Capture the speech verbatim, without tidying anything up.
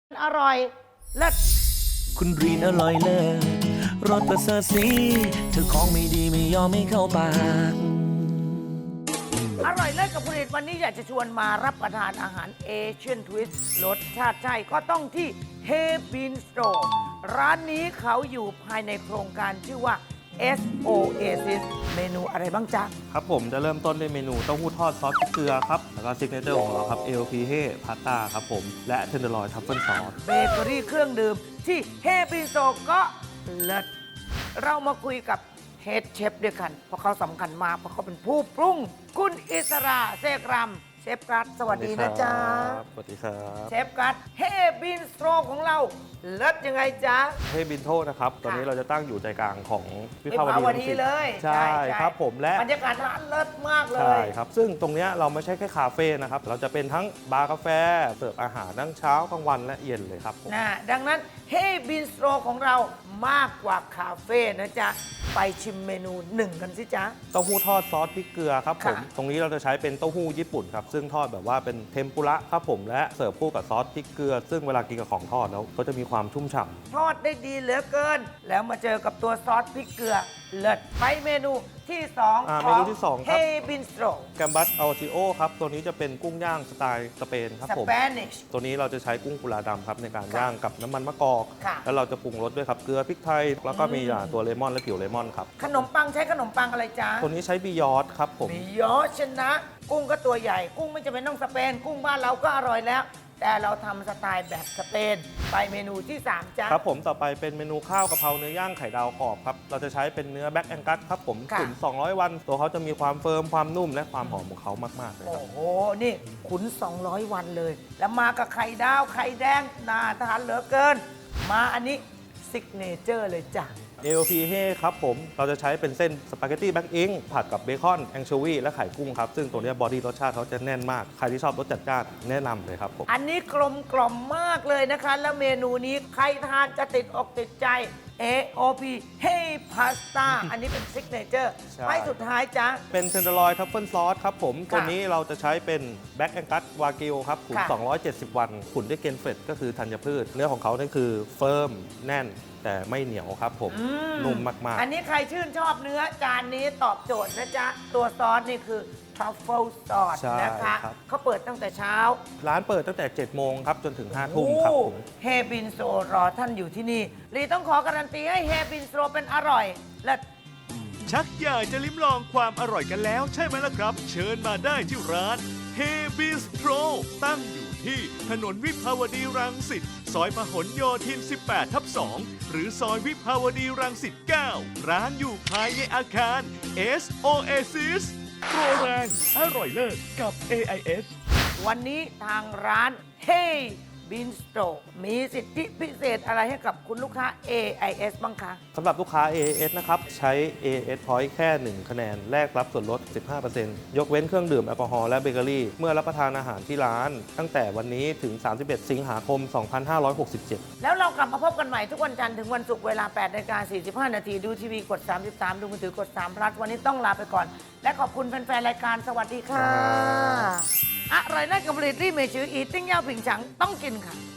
อร่อยเลิศคุณรีนอร่อยเลิศรสประเสริฐสีเธอของไม่ดีไม่ยอมไม่เข้าปากอร่อยเลิศกับผลิตวันนี้อยากจะชวนมารับประทานอาหารเอเชียนทวิสต์รสชาติใช่ก็ต้องที่เฮบินสโตรร้านนี้เขาอยู่ภายในโครงการชื่อว่า เอส โอ เอ ซิส เมนูอะไรบ้างจ๊ะครับผมจะเริ่มต้นด้วยเมนูเต้าหู้ทอดซอสพริกเกลือครับ แล้วก็ซิกเนเจอร์ของเราครับเอลพีเฮพาสต้าครับผม และเทนเดอร์ลอยทัฟเฟิลซอสเบเกอรี่เครื่องดื่มที่เฮบินสโตรก็เลิศเรามาคุยกับเฮดเชฟด้วยกัน เพราะเขาสำคัญมากเพราะเขาเป็นผู้ปรุง คุณอิสราเซกรัมเชฟกัสสวัสดีนะจ๊ะสวัสดีครับเชฟกัสเฮบินสโตรของเราเลิศยังไงจ๊ะเฮบินโทนะครับ ตอนนี้เราจะตั้งอยู่ใจกลางของวิวิภาวภาวดีดีเลยใช่ครับผมและบรรยากาศร้านเลิศมากเลใช่ยครับ ซึ่งตรงเนี้ยเราไม่ใช่แค่คาเฟ่นะครับ เราจะเป็นทั้งบาร์กาแฟ เสิร์ฟอาหารทั้งเช้ากลางวันและเย็นเลยครับผมนะดังนั้นเฮบินสโตรของเรามากกว่าคาเฟ่นะจ๊ะ ไปชิมเมนูหนึ่งกันสิจ๊ะเต้าหู้ทอดซอสพริกเกลือครับผมค่ะตรงนี้เราจะใช้เป็นเต้าหู้ญี่ปุ่นครับ ซึ่งทอดแบบว่าเป็นเทมปุระครับผม และเสิร์ฟคู่กับซอสพริกเกลือ ซึ่งเวลากินกับของทอดแล้วก็จะมีความชุ่มฉ่ำทอดได้ดีเหลือเกิน แล้วมาเจอกับตัวซอสพริกเกลือเลิศไปเมนูที่สองอ่าขอเมนูงที่สองคเฮรับบินสโตรแกมบัสอัลติโอครับ ตัวนี้จะเป็นกุ้งย่างสไตล์สเปนครับสผมเปนิชตัวนี้เราจะใช้กุ้งกุลาดำครับในการค่ะย่างกับน้ำมันมะกอกค่ะแล้วเราจะปรุงรสด้วยครับเกลือพริกไทย แล้วก็มีอืมอ่าตัวเลมอนและผิวเลมอนครับขนมปังใช้ขนมปังอะไรจ๊ะตัวนี้ใช้บิยอดครับผมมียอชนะ กุ้งก็ตัวใหญ่ กุ้งไม่จำเป็นต้องสเปน กุ้งบ้านเราก็อร่อยแล้ว แต่เราทำสไตล์แบบสเปน ไปเมนูที่สามจ๊ะครับผมต่อไปเป็นเมนูข้าวกะเพราเนื้อย่างไข่ดาวกรอบครับ เราจะใช้เป็นเนื้อแบ็กแองกัสครับผมค่ะตุ๋นสองร้อยวัน ตัวเขาจะมีความเฟิร์มความนุ่มและความหอมของเขามาก ๆ เลยคโอ้รับโห นี่ขุน สองร้อย วันเลย แล้วมากับไข่ดาว ไข่แดง น่าทานเหลือเกิน มาอันนี้ซิกเนเจอร์เลยจ้ะเอลพีเฮครับผม เราจะใช้เป็นเส้นสปาเกตตี้แบ็กอิงผัดกับเบคอนแองโชวีและไข่กุ้งครับ ซึ่งตัวเนี้บอดี้รสชาติเขาจะแน่นมาก ใครที่ชอบรสจัดจ้านแนะนำเลยครับผมอันนี้กลมกล่อมมากเลยนะคะ แล้วเมนูนี้ใครทานจะติดอกติดใจ เอ โอ พี Hey Pasta อันนี้เป็นซิกเนเจอร์ใช่ไปสุดท้ายจ้ะเป็นเทนเดอร์ลอยทัฟเฟิลซอสครับผมค่ะตัวนี้เราจะใช้เป็นแบ็กแองกัสวากิวครับขุนค่ะสองร้อยเจ็ดสิบ วันขุนด้วยเกนเฟตก็คือธัญพืช เนื้อของเขานี่คือเฟิร์มแน่นแต่ไม่เหนียวครับผมอืนุ่มมากอันนี้ใครชื่นชอบเนื้อจานนี้ตอบโจทย์นะจ๊ะ ตัวซอสนี่คือ truffle sauce ใช่นะคะครับเขาเปิดตั้งแต่เช้าๆ ร้านเปิดตั้งแต่เจ็ดโมงครับจนถึงห้าทุ่มครับผมเฮบินโซรอท่านอยู่ที่นี่ลีต้องขอการันตีให้เฮบินโซเป็นอร่อย และชักอยากจะลิ้มลองความอร่อยกันแล้วใช่ไหมล่ะครับ เชิญมาได้ที่ร้าน Hey Bistro ตั้งอยู่ที่ถนนวิภาวดีรังสิตซอยพหลโยธิน สิบแปด ทับ สอง หรือซอยวิภาวดีรังสิต เก้า ร้านอยู่ภายในอาคาร เอส โอ เอ ซิส โปรแรงอร่อยเลิศกับ เอ ไอ เอสวันนี้ทางร้าน Hey Bistro มีสิทธิพิเศษอะไรให้กับคุณลูกค้า เอ ไอ เอส บ้างคะสำหรับลูกค้า เอ เอส นะครับ ใช้ เอ เอส Point แค่ หนึ่ง คะแนน แลกรับส่วนลด สิบห้าเปอร์เซ็นต์ ยกเว้นเครื่องดื่มแอลกอฮอล์และเบเกอรี่ เมื่อรับประทานอาหารที่ร้าน ตั้งแต่วันนี้ถึง สามสิบเอ็ด สิงหาคม สองพันห้าร้อยหกสิบเจ็ดแล้วเรากลับมาพบกันใหม่ทุกวันจันทร์ถึงวันศุกร์เวลา แปดนาฬิกาสี่สิบห้า นาที ดูทีวีกด สามสิบสาม ดูมือถือกดสาม พลัสวันนี้ต้องลาไปก่อน และขอบคุณแฟนๆ รายการสวัสดีค่ะ อร่อยเลิศกับผลิตรี่เมชืออีติ้งเย่าผิงฉังต้องกินค่ะ